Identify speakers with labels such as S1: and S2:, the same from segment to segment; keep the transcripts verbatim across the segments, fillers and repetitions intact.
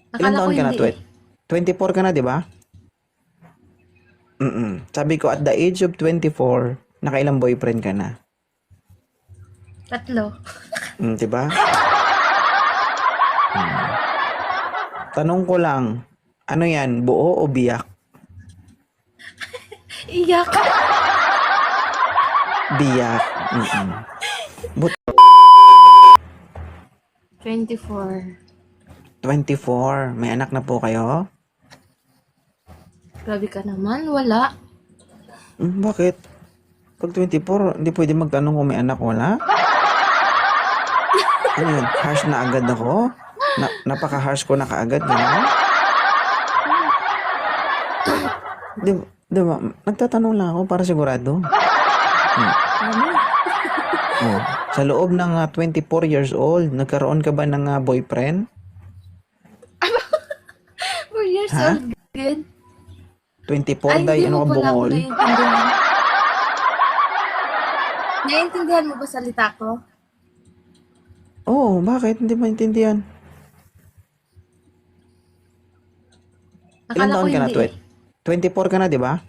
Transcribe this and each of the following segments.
S1: Ilan
S2: Akala ko
S1: taon ka na?
S2: hindi eh.
S1: Twe- twenty-four ka na, di ba? Mm. Sabi ko, at the age of twenty-four, nakailang boyfriend ka na.
S2: Tatlo.
S1: Mm, di ba? Tanong ko lang, ano yan, buo o biyak?
S2: Iyak.
S1: Biyak. Mm-mm. But
S2: twenty-four.
S1: twenty-four, may anak na po kayo?
S2: Grabe ka naman. Wala.
S1: Mm, bakit? Pag twenty-four, hindi pwede magtanong kung may anak, wala? Ano yun? Harsh na agad ako? Na, napaka-harsh ko na kaagad, gano'n? Di, di ba? Nagtatanong lang ako para sigurado. Hmm.
S2: Ano?
S1: Oh. Sa loob ng ah, twenty-four years old, nagkaroon ka ba ng ah, boyfriend?
S2: four years
S1: Ha?
S2: old. Good.
S1: twenty-four,
S2: Ay,
S1: day,
S2: hindi
S1: ano
S2: mo
S1: ka
S2: pala ako
S1: bungol?
S2: naiintindihan. Naiintindihan mo ba salita ko?
S1: Oo, oh, bakit? Hindi maintindihan. Ilan
S2: Akala ko
S1: taon ka na,
S2: hindi eh.
S1: Twet? twenty-four ka na, di ba?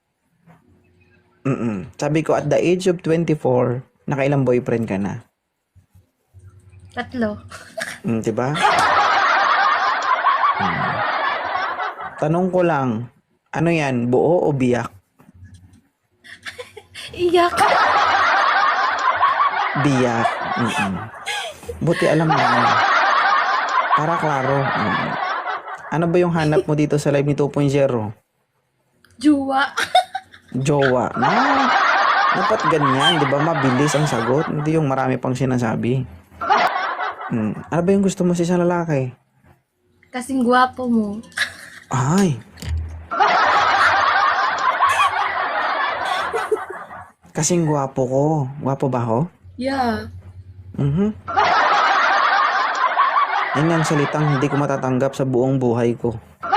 S1: Mm. Sabi ko, at the age of twenty-four, nakailang boyfriend ka na.
S2: Tatlo.
S1: Mm, di ba? Mm. Tanong ko lang, ano yan, buo o biyak?
S2: Iyak.
S1: Biyak. Mm-mm. Buti alam mo. Para klaro. Mm. Ano ba yung hanap mo dito sa live ni two point oh?
S2: Juwa.
S1: Jowa. Na, dapat ganyan, di ba? Mabilis ang sagot. Hindi yung marami pang sinasabi. Mm. Ano ba yung gusto mo sa isang lalaki?
S2: Kasing gwapo mo.
S1: Ay. Kasing gwapo ko. Gwapo ba ako?
S2: Yeah.
S1: Mhm. Yan ang salitang hindi ko matatanggap sa buong buhay ko.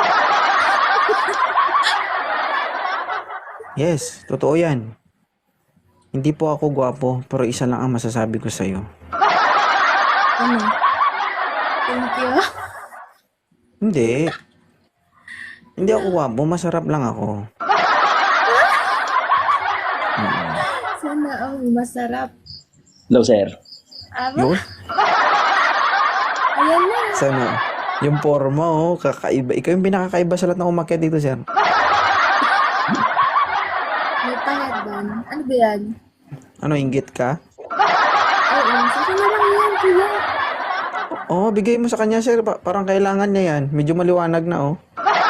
S1: Yes, totoo yan. Hindi po ako gwapo, pero isa lang ang masasabi ko sa'yo.
S2: Ano? Thank you.
S1: Hindi. Hindi ako gwapo, masarap lang ako. Mm.
S2: Sana all masarap.
S3: Hello, sir.
S2: Aba?
S1: Yun?
S2: Ayan na.
S1: Sana? Yung forma, oh, kakaiba. Ikaw yung pinakakaiba sa lahat ng umakyat dito, sir.
S2: May pangalan. Ano ba yan?
S1: Ano, inggit ka?
S2: Oo. Sa akin na lang yan, kuya.
S1: Oo, oh, bigay mo sa kanya, sir. Pa- parang kailangan niya yan. Medyo maliwanag na, oh.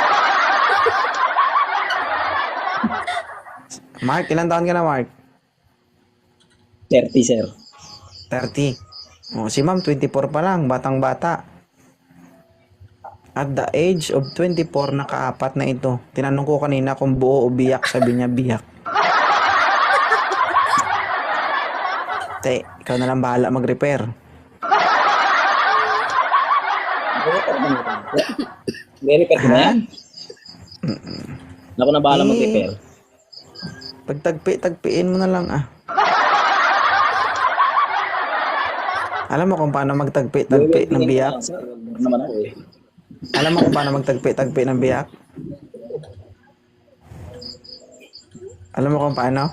S1: Mark, ilan taon ka na, Mark?
S3: thirty, sir.
S1: thirty. Oh, si ma'am, twenty-four pa lang. Batang-bata. At the age of twenty-four, nakaapat na ito. Tinanong ko kanina kung buo o biyak. Sabi niya, biyak. Te, ikaw na lang bahala mag-repair.
S3: May-repair ko na yan. Ako na bahala
S1: Eh.
S3: mag-repair.
S1: Pagtagpi, tagpiin mo na lang, ah. Alam mo kung paano magtagpi-tagpi ng biyak?
S3: Sir, wag naman ako eh.
S1: Alam mo kung paano magtagpi-tagpi ng biyak? Alam mo kung paano?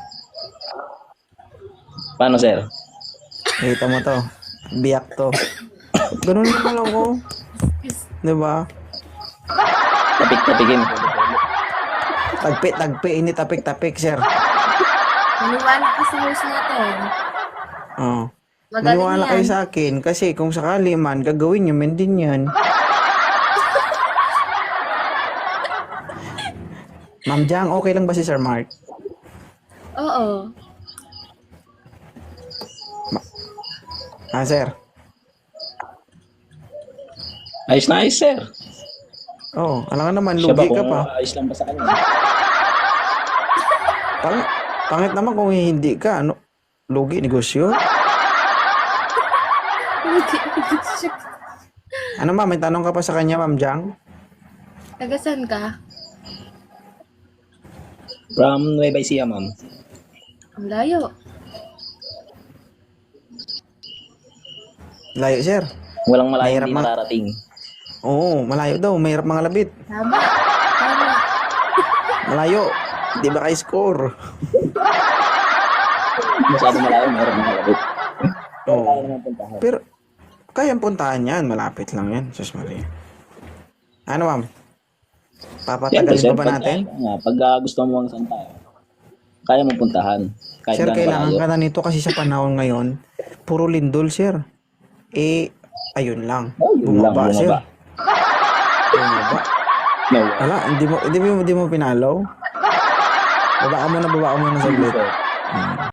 S3: Paano, sir?
S1: Kita mo to. Biyak to. Ganun naman lang ko. Diba?
S3: Tapik-tapikin.
S1: Tagpi-tagpi, hindi tapik-tapik, sir.
S2: Maniwala ka sa host natin.
S1: Oh.
S2: Magaling
S1: Maniwala
S2: yan.
S1: kayo sa akin kasi kung sakali man, gagawin nyo man din yan. Ma'am Jang, okay lang ba si Sir Mark?
S2: Oo.
S1: Ah, sir.
S3: Ayos na ayos, sir.
S1: Oh, alam nga naman,
S3: Siya ba
S1: lugi ka
S3: kung
S1: pa.
S3: ayos lang ba sa kanya?
S1: Pangit, pangit naman kung hindi ka, ano, lugi, negosyo. Ano ma'am, may tanong ka pa sa kanya, Ma'am Jang?
S2: Tagasan ka?
S3: From Nueva Ecija, ma'am.
S2: Ang layo.
S1: Layo, sir.
S3: Walang malayo
S1: Mahirap
S3: hindi
S1: ma-
S3: nakarating.
S1: Oo, malayo daw. Mahirap mga labit.
S2: Tama. Tama.
S1: Malayo. Di ba kayo score?
S3: Masyado malayo, meron mga labit.
S1: Oo.
S3: Kaya naman puntahan.
S1: Pero, kayang puntahan yan. Malapit lang yan. Sus Maria. Ano, ma'am? Papatagalin
S3: sir,
S1: pa ba
S3: pag-
S1: natin?
S3: Nga, pag ah, gusto mo mga santa, kaya mo puntahan. Kahit
S1: Sir,
S3: gaano
S1: kailangan
S3: kalayo.
S1: ka na nito kasi sa panahon ngayon, puro lindol, sir. Eh, ayun lang.
S3: Oh, yun lang,
S1: Bumaba, sir.
S3: bumaba.
S1: Bumaba.
S3: No,
S1: Wala, hindi mo, hindi mo, hindi mo pinalaw. Baba ka muna, baba ka muna saglit.
S3: sir.
S1: Hmm.